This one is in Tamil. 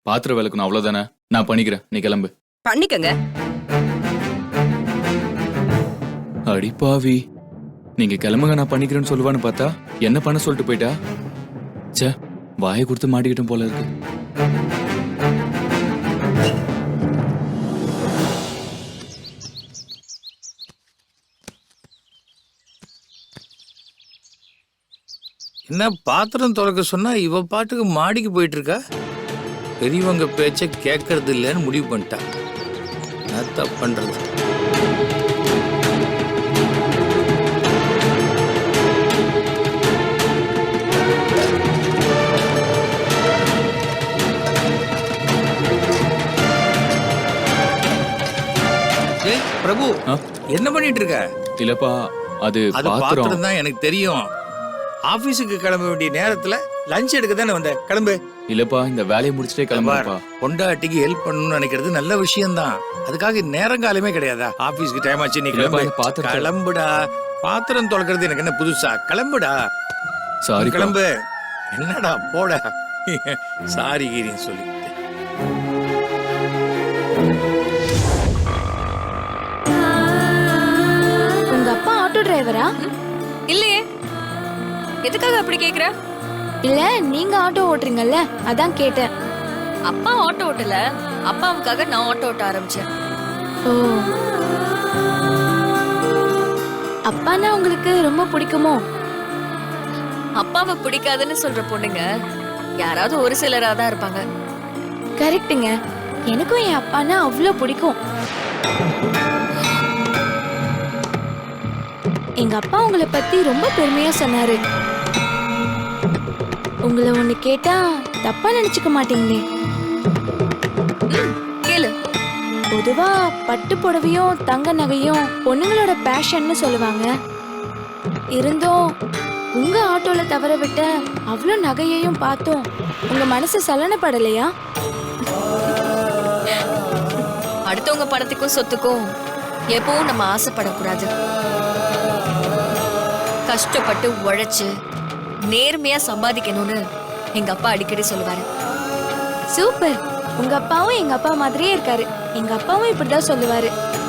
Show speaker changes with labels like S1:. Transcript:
S1: பாத்திரம் விளக்கணும் அவ்வளவுதானே, நான் பண்ணிக்கிறேன், நீ கிளம்பு.
S2: பண்ணிக்கங்க.
S1: அடிப்பாவி, நீங்க கிளம்புங்க நான் பண்ணிக்கிறேன்னு சொல்லுவான்னு பார்த்தா என்ன பண்ண சொல்லிட்டு போயிட்டா. ச்சே, வாயை கொடுத்து மாட்டிக்கிட்டும் போல இருக்கு.
S3: என்ன பாத்திரம் துறக்க சொன்னா இவ பாட்டுக்கு மாடிக்கு போயிட்டு இருக்கா. பெரியவங்க பேச்ச கேட்கறது இல்லைன்னு முடிவு பண்ணிட்டா. என்ன பண்றது? ஏய் பிரபு, என்ன பண்ணிட்டு இருக்க?
S1: இல்லப்பா, அது
S3: பாத்திரம் தான் எனக்கு தெரியும். ஆபீஸுக்கு கிளம்ப வேண்டிய நேரத்துல லஞ்ச் எடுக்க தானே வந்த, கிளம்பு.
S1: இல்லப்பா, இந்த வேலையை முடிச்சுட்டே கிளம்புப்பா.
S3: பொண்டாட்டிக்கு ஹெல்ப் பண்ணணும்னு நினைக்கிறது நல்ல விஷயம் தான். அதுக்காக நேரங்காலமே கிடையாதா? ஆபீஸ்க்கு டைம் ஆச்சு, நீ கிளம்பு. கிளம்புடா. பாத்திரம் தொலைக்கிறது எனக்கு என்ன புதுசா? கிளம்புடா.
S1: சாரி,
S3: கிளம்பு. என்னடா போட சாரி கீரின்னு சொல்லி.
S4: உங்க அப்பா ஆட்டோ டிரைவரா?
S2: இல்லையே. எதுக்காக அப்படி கேக்குற?
S4: இல்ல, நீங்க ஆட்டோ ஓட்டுறீங்கல்ல, அதான் கேட்டேன்.
S2: அப்பா ஆட்டோ ஓட்டல, அப்பாவுக்காக நான் ஆட்டோ ஓட்ட ஆரம்பிச்சேன்.
S4: ஓ, அப்பானா உங்களுக்கு ரொம்ப பிடிக்குமோ?
S2: அப்பாவை பிடிக்காதுன்னு சொல்ற பொண்ணுங்க யாராவது ஒரு சிலரா தான் இருப்பாங்க.
S4: கரெக்ட்டுங்க, எனக்கும் என் அப்பானா அவ்வளோ பிடிக்கும். எங்க அப்பா உங்களை பத்தி ரொம்ப பெருமையா சொன்னாரு. உங்களை ஒண்ணு கேட்டா தப்பா நினைச்சுக்க மாட்டீங்களே?
S2: கேளு.
S4: பொதுவா பட்டு புடவையும் தங்க நகையும் பொண்ணுங்களோட பேஷன்னு சொல்லுவாங்க. இருந்தும் உங்க ஆட்டோல தவற விட்ட அவ்வளோ நகையையும் பார்த்தோம் உங்க மனசு சலனப்படலையா?
S2: அடுத்தவங்க பணத்துக்கும் சொத்துக்கும் எப்பவும் நம்ம ஆசைப்படக்கூடாது. கஷ்டப்பட்டு உழைச்சு நேர்மையா சம்பாதிக்கணும்னு எங்க அப்பா அடிக்கடி சொல்லுவாரு.
S4: சூப்பர், உங்க அப்பாவும் எங்க அப்பா மாதிரியே இருக்காரு. எங்க அப்பாவும் இப்படிதான் சொல்லுவாரு.